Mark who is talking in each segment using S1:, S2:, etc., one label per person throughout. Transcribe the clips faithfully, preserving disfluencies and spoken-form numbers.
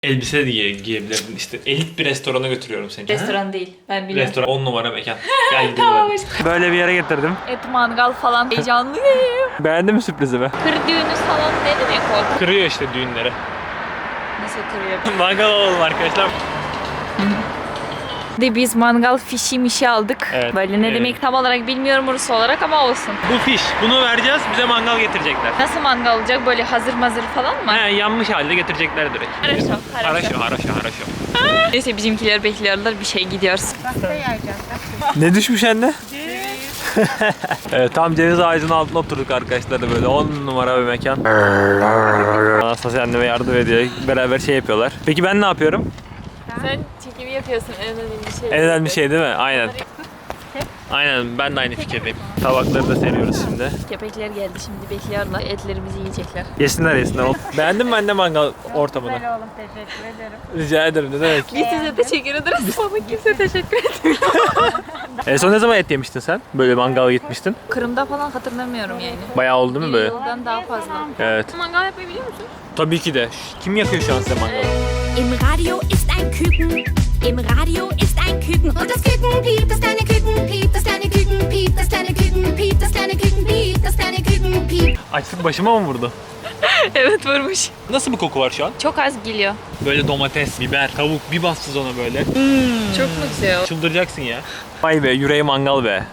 S1: Elbise de giye, giyebilirdin işte. Elit bir restorana götürüyorum seni.
S2: Restoran ha? Değil. Ben biliyorum.
S1: Restoran on numara mekan. Gel gidelim
S2: Tamam.
S1: hadi. Böyle bir yere getirdim.
S2: Et mangal falan heyecanlıyım.
S1: Beğendin mi sürprizimi?
S2: Kır düğünü falan ne demek o?
S1: Kırıyor işte düğünleri.
S2: Nasıl kırıyor?
S1: Mangal alalım arkadaşlar.
S2: De biz mangal fişi mişi aldık.
S1: Evet.
S2: Böyle ne
S1: Evet.
S2: demek tam olarak bilmiyorum Rus olarak ama olsun.
S1: Bu fiş. Bunu vereceğiz. Bize mangal getirecekler.
S2: Nasıl mangal olacak? Böyle hazır mazır falan mı?
S1: He, yanmış halde getirecekler direkt.
S2: Haraşo, haraşo.
S1: Haraşo, haraşo, haraşo.
S2: Neyse bizimkiler bekliyorlar bir şey gidiyoruz.
S1: Ne düşmüş anne? Evet, tam ceviz ağacının altına oturduk arkadaşlar da böyle on numara bir mekan. Anastasya anneme yardım ediyor. Beraber şey yapıyorlar. Peki ben ne yapıyorum?
S2: Sen çekimi yapıyorsun en önemli şey.
S1: En önemli şey değil mi? Aynen. Aynen, ben de aynı fikirdeyim. Tabakları da seriyoruz şimdi.
S2: Köpekler geldi şimdi bekliyorlar. Etlerimizi yiyecekler.
S1: Yesinler yesinler. Beğendin mi anne mangal ortamını?
S3: Güzel oğlum, teşekkür ederim.
S1: Rica ederim, ne demek.
S2: Biz size teşekkür ederiz. Bana kimse teşekkür etmiyor.
S1: En son ne zaman et yemiştin sen? Böyle mangala gitmiştin.
S2: Kırım'da falan hatırlamıyorum yani.
S1: Bayağı oldu mu
S2: Bir
S1: böyle?
S2: yıldan daha fazla.
S1: Evet.
S2: Mangal yapmayı biliyor musun?
S1: Tabii ki de. Kim yakıyor şu an size mangalı?
S4: Im Radio ist ein Küken. Im Radio ist ein Küken. Und das Küken piept, das kleine Küken piept, das kleine Küken piept, das kleine Küken piept, das kleine Küken piept, das kleine Küken piept.
S1: Açlık başıma mı vurdu?
S2: Evet vurmuş.
S1: Nasıl bir koku var şu an?
S2: Çok az geliyor.
S1: Böyle domates, biber, tavuk bir bastız ona böyle.
S2: Çok mu güzel?
S1: Çıldıracaksın ya. Vay be, yüreği mangal be.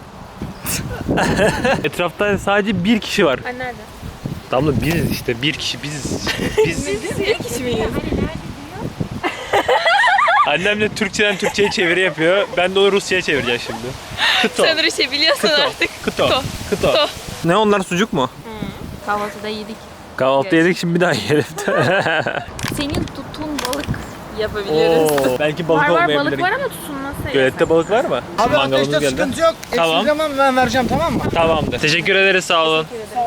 S1: Etrafta sadece bir kişi var.
S2: Ay nerede?
S1: Damla biziz işte, bir kişi biziz. Biz.
S2: Biz bir kişi miyiz?
S1: Annem de Türkçeden Türkçe'ye çeviri yapıyor. Ben de onu Rusça'ya çevireceğim şimdi. Kıto.
S2: Sen Rusça biliyorsun
S1: Kıto.
S2: artık.
S1: Kıto.
S2: Kıto.
S1: Kıto.
S2: Kıto.
S1: Ne onlar, sucuk mu?
S2: Kahvaltıda yedik.
S1: Kahvaltı yedik, şimdi bir daha yiyelim.
S2: Senin tuttuğun balık yapabiliriz.
S1: Oo, belki balık
S3: Var var
S1: olmayabilir.
S3: balık var ama tutulması.
S1: Gölette balık var mı?
S5: Abi
S1: Mangalımız
S5: ateşte
S1: geldi.
S5: sıkıntı yok.
S1: Tamam.
S5: Eksik zaman ben vereceğim, tamam mı?
S1: Tamamdır. Teşekkür ederiz, sağ olun.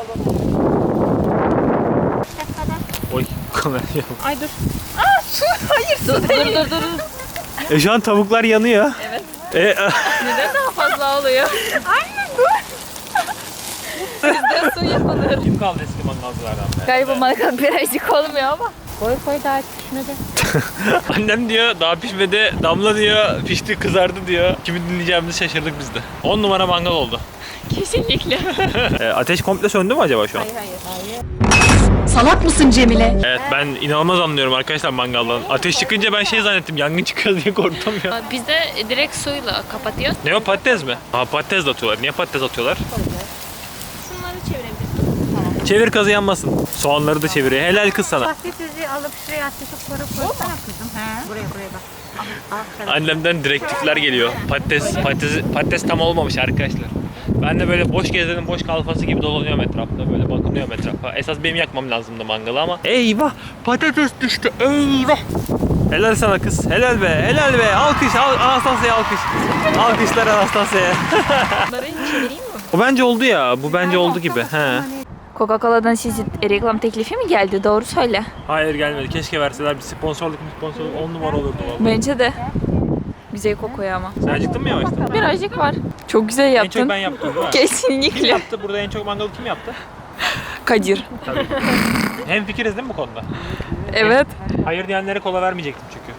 S1: Oy, kamera yok.
S3: Ay dur.
S2: Dur dur dur dur.
S1: E şu an tavuklar yanıyor.
S2: Evet.
S1: E,
S2: Neden daha fazla oluyor? Aynen dur. Bizde su yapılır.
S1: kim kaldı eski mangalcılardan be?
S2: Galiba mangal birazcık olmuyor ama.
S3: Koy koy daha pişmedi.
S1: Annem diyor daha pişmedi, Damla diyor pişti kızardı diyor. Kimi dinleyeceğimizi şaşırdık biz de. on numara mangal oldu.
S2: Kesinlikle.
S1: E, ateş komple söndü mü acaba şu an?
S2: Hayır hayır.
S4: Salak mısın Cemile?
S1: Evet, ben inanılmaz anlıyorum arkadaşlar mangaldan. Ateş çıkınca ben şey zannettim, yangın çıkıyor diye korktum ya.
S2: Bizde direkt suyla kapatıyor.
S1: Ne o, patates mi? Aa, patates de atıyorlar. Niye patates atıyorlar?
S3: Şunları çevirebilirsin.
S1: Çevir, kazı yanmasın. Soğanları da çeviriyor. Helal kız sana.
S3: Patatesi alıp şuraya ateşe koyup koysana kızım. He. Buraya buraya bak. Aferin.
S1: Annemden direktifler geliyor. Patates, patates, patates tam olmamış arkadaşlar. Ben de böyle boş gezenin boş kalfası gibi dolanıyorum etrafta, böyle bakınıyorum etrafa. Esas benim yakmam lazımdı mangalı ama eyvah, patates düştü, eyvah. Helal sana kız, helal be, helal be. Alkış, al, Anastasya'ya alkış. Alkışlar Anastasya'ya.
S2: Bunları çevireyim mi?
S1: O bence oldu ya, bu bence oldu gibi. He.
S2: Coca-Cola'dan size reklam teklifi mi geldi? Doğru söyle.
S1: Hayır, gelmedi. Keşke verseler, bir sponsorluk sponsorluk on numara olurdu vallahi.
S2: Bence de. Güzel kokuyor ama.
S1: Sen acıktın mı yavaştan?
S2: Birazcık var. Çok güzel
S1: En
S2: yaptın.
S1: çok ben yaptım değil mi? Kim
S2: Kesinlikle.
S1: yaptı? Burada en çok mangalı kim yaptı?
S2: Kadir.
S1: Tabii. Hem fikiriz değil mi bu konuda?
S2: Evet.
S1: Hayır diyenlere kola vermeyecektim çünkü.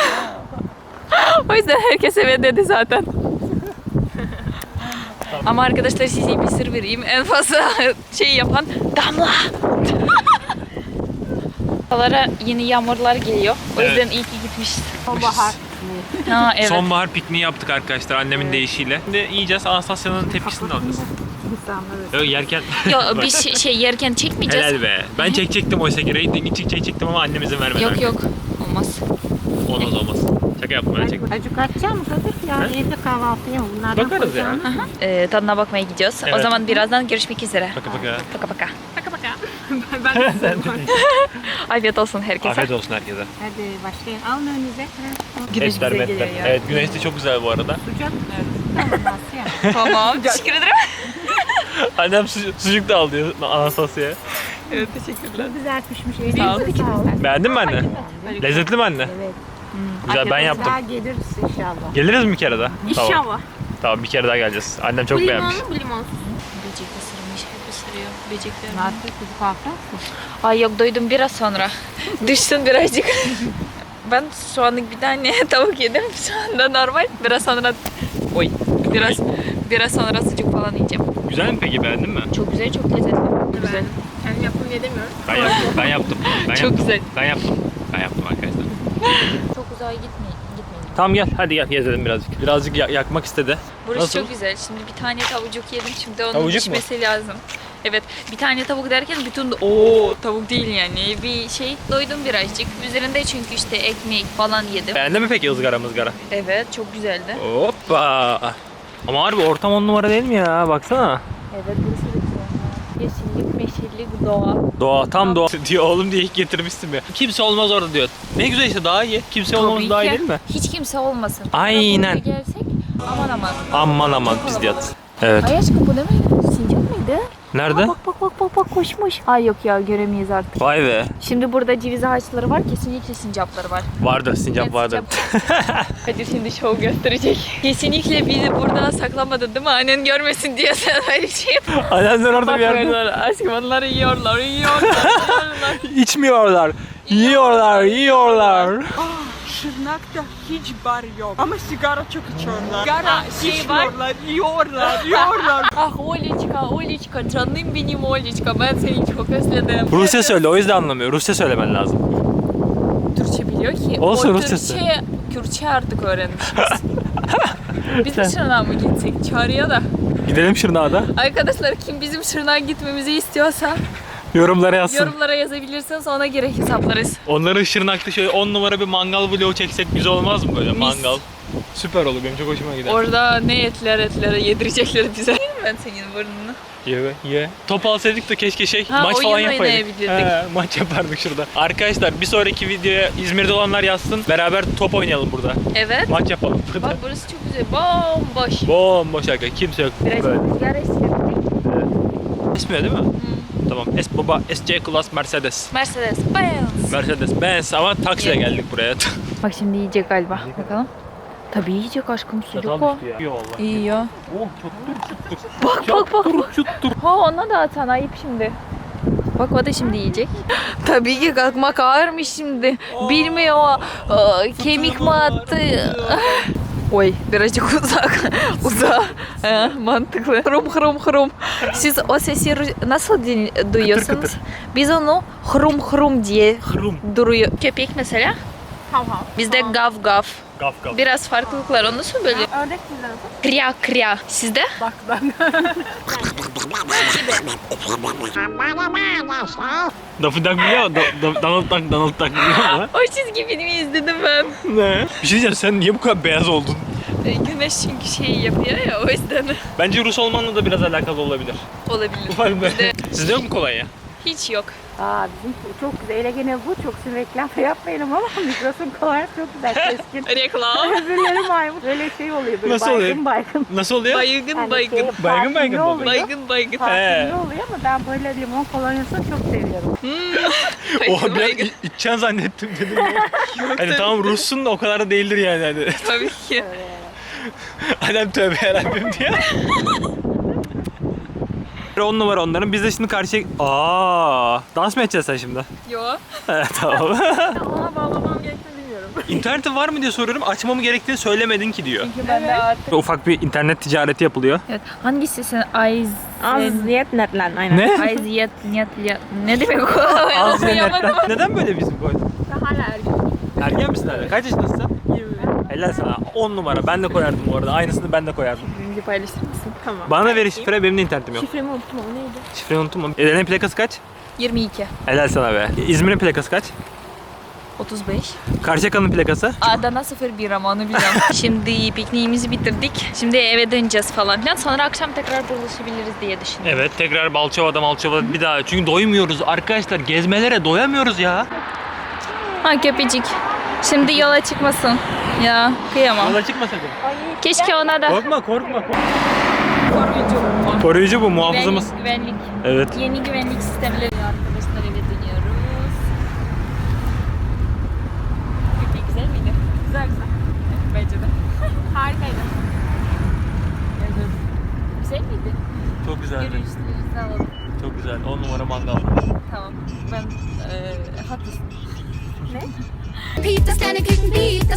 S2: O yüzden herkes evet dedi zaten. Ama arkadaşlar size bir sır vereyim. En fazla şey yapan Damla. Buralara yeni yağmurlar geliyor. O
S1: Evet.
S2: yüzden iyi ki gitmişiz.
S3: Sonbahar.
S2: Ha evet.
S1: Sonbahar pikniği yaptık arkadaşlar annemin deyişiyle. Şimdi yiyeceğiz, Anastasya'nın tepkisini de alacağız.
S3: İnsanları.
S1: Yok, yerken...
S2: Yo bir şey, şey yerken çekmeyeceğiz.
S1: Helal be. Ben çekecektim oysa ki. Rating için çekecektim ama annem izin vermedi.
S2: Yok yok. Olmaz.
S1: Olmaz olmaz. Şaka yaptım, ben çektim.
S3: Acık açacağım mı Kadir? Ya
S1: He?
S3: evde kahvaltıya bunlardan
S1: Bakarız ya.
S3: koyacağım.
S2: Ee, tadına bakmaya gidiyoruz. O
S1: Evet.
S2: zaman birazdan görüşmek üzere.
S1: Baka baka.
S2: Paka paka.
S3: Baka baka. ben de
S2: Afiyet olsun herkese.
S1: Afiyet olsun herkese.
S3: Hadi başlayın. Alın önünüze.
S2: Güneş
S1: Etler,
S2: bize
S1: metler.
S2: geliyor ya.
S1: Evet, güneş de çok güzel bu arada.
S3: Sıcak. Evet. Tamam Asya.
S2: Tamam. Teşekkür ederim.
S1: Annem su sucuk da alıyor Anastasya'ya.
S2: Evet teşekkürler.
S3: Çok güzel pişmiş.
S2: Sağ ol.
S3: Elinize sağlık.
S1: Beğendin mi anne? Lezzetli mi anne?
S3: Evet.
S1: Güzel, ben yaptım.
S3: Daha geliriz inşallah.
S1: Geliriz mi bir kere daha? Tamam.
S3: İnşallah.
S1: Tamam, bir kere daha geleceğiz. Annem çok
S3: Bu
S1: beğenmiş.
S3: limonlu bu limonsuz.
S2: Böcek ısırmış. Hep ısırıyor. Böcekler.
S3: Nasıl kuzu kalkar mısın?
S2: Ay yok doydum biraz sonra. Düşsün birazcık. ben şu anlık bir tane tavuk yedim. Şu anda normal. Biraz sonra oy biraz biraz sonra sucuk falan yiyeceğim.
S1: Güzel mi peki, beğendin mi?
S2: Çok güzel, çok lezzetli. Güzel.
S3: Kendim yaptım diye demiyorum.
S1: Ben yaptım. Ben yaptım. Ben
S2: Çok
S1: yaptım.
S2: güzel.
S1: Ben yaptım. Ben yaptım arkadaşlar.
S2: Çok uzağa gitmeyin. Gitmeyin.
S1: Tamam gel, hadi gel gezelim birazcık. Birazcık ya- yakmak istedi.
S2: Burası
S1: Nasıl?
S2: çok güzel. Şimdi bir tane tavucuk yedim. Şimdi onun
S1: Tavucuk mu?
S2: pişmesi lazım. Evet. Bir tane tavuk derken bütün o tavuk değil yani. Bir şey doydum birazcık. Üzerinde çünkü işte ekmek falan yedim.
S1: Beğendin mi peki ızgara mızgara?
S2: Evet, çok güzeldi.
S1: Hoppa. Ama harbi ortam on numara değil mi ya? Baksana.
S2: Evet, burası da güzel. Yeşillik, meşillik, doğa.
S1: Doğa, tam doğa diyor oğlum diye ilk getirmişsin ya. Kimse olmaz orada diyor. Ne güzel işte, daha iyi. Kimse olmamız
S2: Tabii
S1: daha iyi
S2: ki.
S1: değil mi?
S2: Hiç kimse olmasın.
S1: Aynen.
S2: Buraya gelsek aman aman.
S1: Aman aman
S2: Çok
S1: biz yat.
S2: kalabalık.
S1: Evet.
S2: Ay aşkım bu ne mi? Sincap mıydı?
S1: Nerede?
S2: Bak bak bak bak bak koşmuş. Ay yok ya, göremeyiz artık.
S1: Vay be.
S2: Şimdi burada ceviz ağaçları var, kesinlikle sincapları var.
S1: Vardır, sincap
S2: Evet,
S1: vardır.
S2: Hadi şimdi şov gösterecek. Kesinlikle bizi burada saklamadın değil mi? Annen görmesin diye sen öyle şey yap.
S1: Annemler orada bir yerde.
S2: Bakıyorlar. Aşkım onları yiyorlar, yiyorlar, yiyorlar.
S1: İçmiyorlar. Yiyorlar, yiyorlar.
S3: Şırnak'ta hiç bar yok. Ama sigara çok içiyorlar. Sigara
S2: Ha, şey var.
S3: içiyorlar, yiyorlar, yiyorlar.
S2: Ah Oliçka, Oliçka, canım benim Oliçka. Ben seni çok özledim.
S1: Rusça söyle, o yüzden anlamıyor. Rusça söylemen lazım.
S2: Türkçe biliyor ki.
S1: Olsun,
S2: o
S1: Rusçası.
S2: Türkçe, Kürtçe artık öğrenmişiz. Biz de Şırnak'a mı gitsek? Çağrıya da.
S1: Gidelim Şırnak'a.
S2: Arkadaşlar kim bizim Şırnak'a gitmemizi istiyorsa
S1: Yorumlara yazsın.
S2: yorumlara yazabilirsiniz, ona göre hesaplarız.
S1: Onların Şırnak'ta şöyle on numara bir mangal vlogu çeksek güzel olmaz mı böyle
S2: Mis.
S1: mangal? Süper olur, benim çok hoşuma gider.
S2: Orada ne etler etlere yedirecekler bize. Yerim ben senin burnunu.
S1: Ye be, ye. Top alsaydık da keşke şey
S2: Ha,
S1: maç
S2: oyun
S1: falan yapaydık.
S2: oynayabilirdik.
S1: He, maç yapardık şurada. Arkadaşlar bir sonraki videoya İzmir'de olanlar yazsın. Beraber top oynayalım burada.
S2: Evet.
S1: Maç yapalım burada.
S2: Bak burası çok güzel. Bomboş.
S1: Bomboş aga, kimse yok.
S2: Biraz
S1: Böyle.
S2: rüzgar esiyor.
S1: Esmiyor değil mi? Tamam. Es baba S C Class Mercedes.
S2: Mercedes Benz.
S1: Mercedes Benz ama taksiyle
S2: Yeah.
S1: geldik buraya.
S2: Bak şimdi yiyecek galiba. Bakalım. Tabii yiyecek aşkım, sucuk o.
S1: İyi valla.
S2: İyi ya.
S1: Oh çuttur çuttur.
S2: Bak bak bak. bak.
S1: Çuttur.
S2: Ha ona da atan ayıp şimdi. Bak o da şimdi yiyecek. Tabii ki kalkmak ağırmış şimdi. Bilmiyor o aa, kemik mi attı? Oy birazcık uzak. Uzak. Ha, mantıklı. Hrum hrum hrum. Siz o sesi ru- nasıl din- duyuyorsunuz?
S1: kıtır.
S2: Biz onu hrum hrum diye
S1: Hrum.
S2: duruyor. Köpek mesela.
S3: Hav hav.
S2: Bizde gav gav.
S1: Gaf gaf.
S2: Biraz farklılıklar. O nasıl böyle?
S3: Ördek güzel.
S2: Kriya kriya. Sizde?
S3: Bak bak.
S1: Daffy Duck biliyor musun? Da- da- Donald Duck, Donald Duck biliyor musun?
S2: O çizgi filmi izledim ben.
S1: Ne? Bir şey diyeceğim, sen niye bu kadar beyaz oldun?
S2: E, Güneş çünkü şey yapıyor ya, o yüzden
S1: Bence Rus olmanla da biraz alakalı olabilir.
S2: olabilir.
S1: Ufak bir.
S2: Bizde
S1: Sizde yok mu kolonya?
S2: hiç yok.
S3: Aa bizim çok güzel. Hele gene bu çok sizin reklam yapmayalım ama Migros'un kolay çok güzel keskin.
S2: Reklam.
S3: Öbürleri maymun. Böyle şey oluyor böyle
S1: Nasıl
S3: baygın
S1: oluyor?
S3: baygın.
S1: Nasıl oluyor?
S2: Baygın
S3: Yani
S2: baygın.
S3: şey,
S1: Baygın
S3: parfümlü
S1: baygın mı
S3: oluyor.
S2: Baygın baygın.
S3: Parfümlü oluyor ama ben böyle limon kolonyasını çok seviyorum.
S1: Oha
S2: Baygın
S1: ben
S2: baygın.
S1: içeceksin zannettim dedim ya. Hani tamam Rus'sun da o kadar da değildir yani. Hani.
S2: Tabii ki.
S1: Adam tövbe yarabbim diye. On numara onların. Biz de şimdi karşıya... Aa, dans mı edeceksin sen şimdi?
S2: Yo.
S1: Evet tamam.
S3: Ona bağlamam gerektiğini bilmiyorum.
S1: İnterneti var mı diye soruyorum. Açmamı gerektiğini söylemedin ki diyor.
S2: Çünkü ben de artık.
S1: Ufak bir internet ticareti yapılıyor.
S2: Evet. Hangisi sen? Ayz.
S3: Az niyet netlen aynen.
S1: Ne?
S2: Ayziyet, niyet, niyet. Ne demek o?
S1: Az ve
S2: Anlayamadım.
S1: netten. Neden böyle bizim koydun?
S3: Hala ergen.
S1: Ergen misin hala? Kaç yaşındasın sen? Helal sana. on numara. Ben de koyardım bu arada. Aynısını ben de koyardım.
S2: Birinci paylaşır mısın?
S3: Tamam.
S1: Bana da ver şifre. Benim de internetim yok.
S3: Şifremi unuttum ama neydi?
S1: Şifreyi unutma. Eren'in plakası kaç?
S2: yirmi iki.
S1: Helal sana be. İzmir'in plakası kaç?
S2: otuz beş.
S1: Karşıyaka'nın plakası?
S2: Adana sıfır bir ama onu biliyorum. Şimdi pikniğimizi bitirdik. Şimdi eve döneceğiz falan filan. Sonra akşam tekrar buluşabiliriz diye düşünüyorum.
S1: Evet, tekrar Balçova'da Malçova'da bir daha. Çünkü doymuyoruz arkadaşlar. Gezmelere doyamıyoruz ya.
S2: Ha köpecik. Şimdi yola çıkmasın. Ya kıyamam.
S1: Yola çıkma sakın.
S2: Keşke ona da
S1: Korkma korkma. korkma.
S2: koruyucu.
S1: Koruyucu bu muhafızımız.
S2: Güvenlik, güvenlik.
S1: Evet.
S2: Yeni güvenlik sistemleri. Arkadaşlar eve dönüyoruz. Köpek güzel miydi?
S3: Güzel güzel.
S2: Bence de.
S3: Harikaydı.
S2: Güzel miydi?
S1: Çok güzeldi.
S2: Görüşlerinizi alalım.
S1: Çok güzel. on numara mangal.
S2: Tamam. Ben eee haklısın.
S4: Piep, das kleine kleine Küken, piep,